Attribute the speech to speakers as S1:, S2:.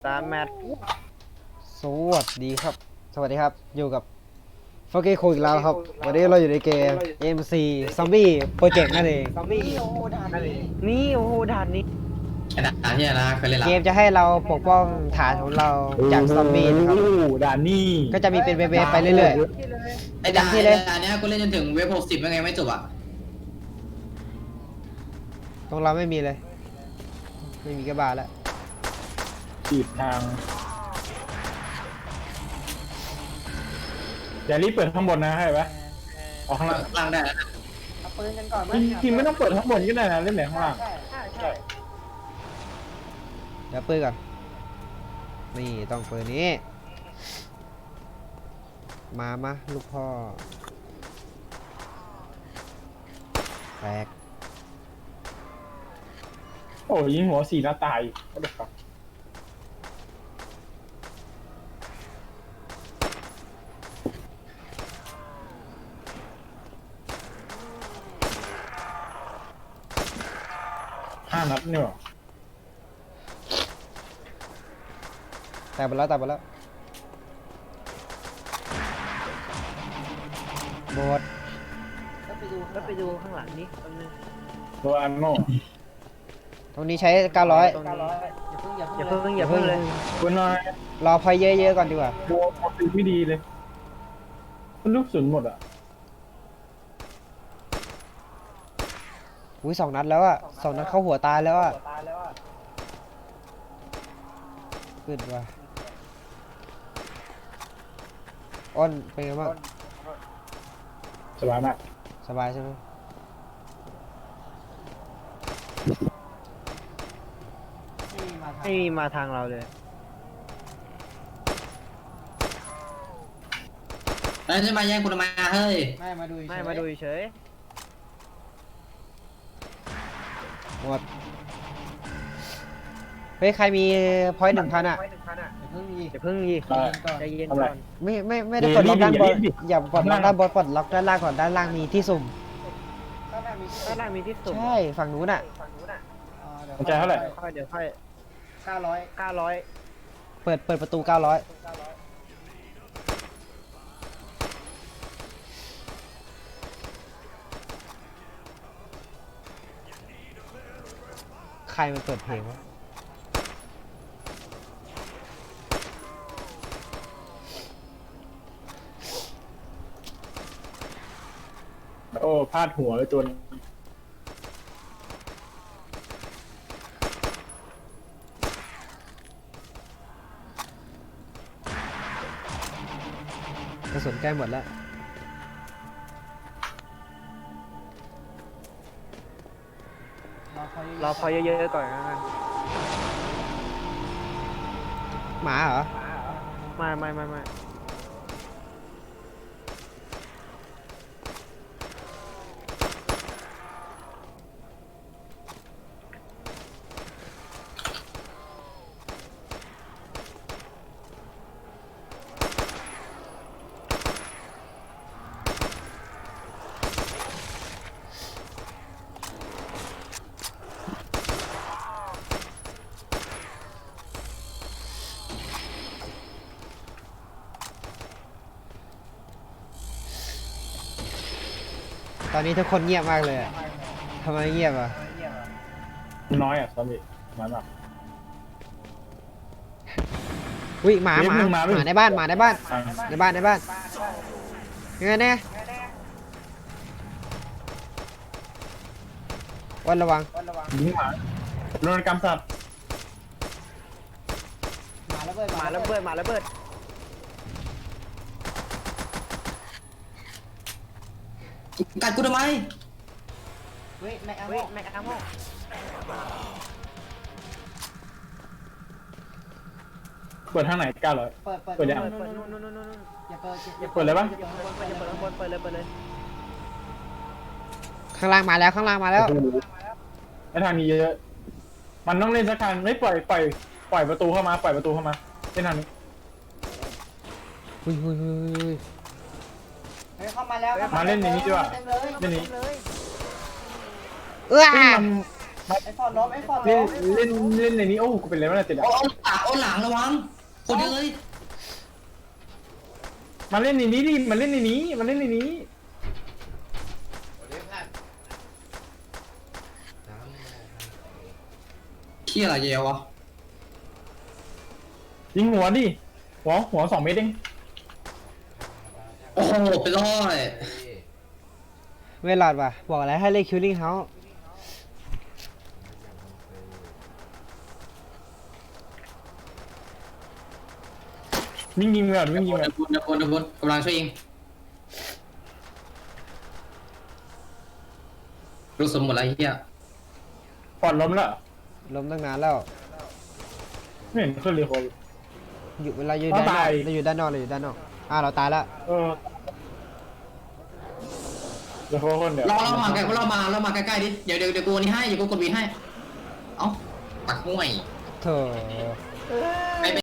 S1: 3 แมตช์
S2: สวัสดีครับ สวัสดีครับ อยู่กับฟอกกี้คุยอีกแล้วครับ วันนี้เราอยู่ในเกม MC Zombie Project นั่นเอง
S1: นี่โอ้โหด่านนี้
S3: ไอ้ด่านที่นะเคยเล่นละ
S2: เกมจะให้เราปกป้องฐานของเราจากซอมบี้นะครับ
S4: ด่านนี่
S2: ก็จะมีเป็นเวฟๆไปเรื่อย
S3: ไอ้ด่าน
S2: ที่เลย
S3: เนี้ยกูเล่นจนถึงเว็บ60ยังไงไม่จบอ่ะ
S2: ๆ ตรงเราไม่มีเลย ไม่มีกระบาแล้ว
S4: จีบทางอย่ารีบเปิดข้างบนนะให้ปะออกข้างล่าง
S3: ล่างได้แล้วนะ
S1: เอาปืนกันก่อนไหม
S4: จริงๆไม่ต้องเปิดข้างบนก็ได้นะเล่นไหนข้างล่าง
S1: ใช่
S2: เดี๋ยวปืนก่อน นี่ต้องปืนนี้ มาลูกพ่อแตก
S4: โอ้ยิงหัว4 นัดตายก็เด็กครับ5 นัดเนี่ยหรอ
S2: แตกไปแล้วหมด
S1: แล้วไปดูข้างหลังนี้ตรงนึง
S4: ตัวอันโน่
S2: ตรงนี้ใช้ 900
S1: ตรงนี้อย่าเพิ่งเลย
S4: ตัวน้อย
S2: รอพอยเยอะๆก่อนดีกว่า
S4: ตัวปกติไม่ดีเลยมันลูกสุนหมดอ่ะ
S2: อุ้ย2 นัดแล้วอะ2 นัดเข้าหัวตายแล้วอะขึ้นว่ะอ้นเป็นไงบ้าง
S4: สบายมาก
S2: สบายใช่ไหม
S1: ไม่มีมาทางเราเลย
S3: แล้วจะมาแย่งกูทำไมอะเฮ้ย
S1: ไม่มาดูเฉย
S2: หมดเฮ้ยใครมีพอยต์1,000อะ
S1: อย่าเพิ่งยีใจเย็นก่อน
S2: ไม่ได้ปลดล็อกด้านบนอย่าปลดล็อกด้านบนปลดล็อกด้านล่างก่อนด้านล่างมีที่สุ่ม
S1: ด้านล่างมีที่สุ่ม
S2: ใช่ฝั่งนู้นอะ
S4: มันใจเท่าไหร่
S1: เดี๋ยวค่อย900
S2: เปิดประตู 900ใครมันเปิดเพลงวะ
S4: โอ้พลาดหัวเลยตัวนี้
S2: กระสุนใกล้หมดแล้ว
S1: รอพอเยอะๆก่อนนะ
S2: หมาเหรอ
S1: ไม่
S2: ตอนนี้ทุกคนเงียบมากเลยอะทำไมเงียบอ่ะ
S4: น้อยอ่ะซอมบี้น้อยมาก
S2: อุ้ยหมา
S4: เรียกมึงมา
S2: ห
S4: ไม่
S2: มาในบ้านในบ้าน
S4: อ่ะ
S2: ยังไงเนี่ยวันระวัง
S4: ยิงหมาโดนกรรมสัตว์
S1: มาระเบิด
S3: กัดกูทำไม
S1: แม็กอาโม
S4: เปิดทางไหน900เปิดยัง
S1: นู่น
S4: เปิดเลยปะ
S1: อย่าเปิดข้างบนเปิดเลย
S2: ข้างล่างมาแล้ว
S4: ไอ้ทางนี้เยอะๆมันต้องเล่นสักทางไม่ปล่อยประตูเข้ามาเล่นทางนี้
S2: อุ้ย
S1: เข้ามาแล้ว
S4: มาเล่นในนี้ดีกว่าเล่นนี้
S2: เอ้ย
S4: ซึ่งมัน
S1: ไอ้ฟอนล้มไอ้ฟอน
S4: เล่
S1: ล้
S4: น
S1: ม
S4: เล่นเล่นในนี้โอ้กูเป็นอะไรวะเนี่ยติด
S3: โอ้
S4: อ่ะ
S3: โอ้หลังระวังคนเดียวเลย
S4: มาเล่นในนี้ดิมันเล่นในนี้มันเล่นในนี้
S3: เขี้ยอะไรเยวะ
S4: ยิงหัวดิหัว2 เมตรเอง
S3: โอ้โหไปรอด
S2: เวลาดว่ะบอกอะไรให้เล่นคิลลิ่งเฮาส์
S4: วิ่งยิงเลยวิ่งยิงเลย
S3: เดี๋ยวคนกำลังช่วยยิงรู้สมหมดแล้วไอ้เหี้ย
S4: ปอดล้มแล้ว
S2: ล้มตั้งนานแล้ว
S4: ไม่เห็นขึ้นเลยคน
S2: อยู่เวลาอยู่ด้านนอก
S4: ตาย
S2: เราอยู่ด้านนอกเราอยู่ด้านนอกเราตายแล้ว
S4: เดี๋ยวคนเดี๋ยว
S3: เรามาใกล้เรามาใกล้ๆดิเดี๋ยวกูนี่ให้เดี๋ยวกูกดวีให้เอ้าปักห้วย
S2: เถอะ
S3: ไป